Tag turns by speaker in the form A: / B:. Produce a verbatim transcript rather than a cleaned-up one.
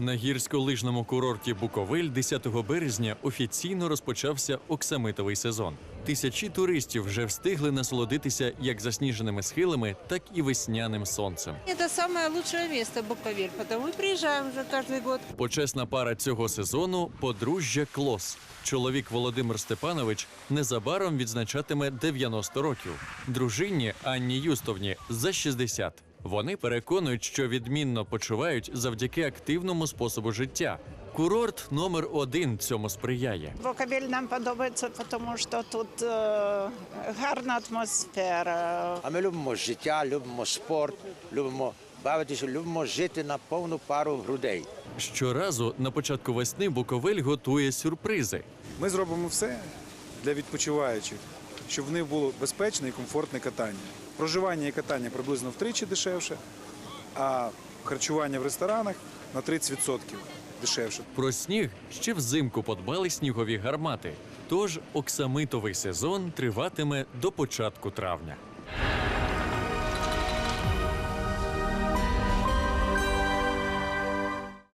A: На гірськолижному курорті Буковель десятого березня офіційно розпочався оксамитовий сезон. Тисячі туристів вже встигли насолодитися як засніженими схилами, так і весняним сонцем.
B: Это самое лучшее место Буковель, потому мы приезжаем уже каждый год.
A: Почесна пара цього сезону – подружжя Клос. Чоловік Володимир Степанович незабаром відзначатиме дев'яносто років. Дружині Анні Юстовні за шістдесят. Вони переконують, що відмінно почувають завдяки активному способу життя. Курорт номер один цьому сприяє.
C: Буковель нам подобається, тому що тут е, гарна атмосфера.
D: А ми любимо життя, любимо спорт, любимо бавитися, любимо жити на повну пару грудей.
A: Щоразу на початку весни Буковель готує сюрпризи.
E: Ми зробимо все для відпочиваючих, щоб в них було безпечне і комфортне катання. Проживання і катання приблизно втричі дешевше, а харчування в ресторанах на тридцять відсотків дешевше.
A: Про сніг ще взимку подбали снігові гармати. Тож оксамитовий сезон триватиме до початку травня.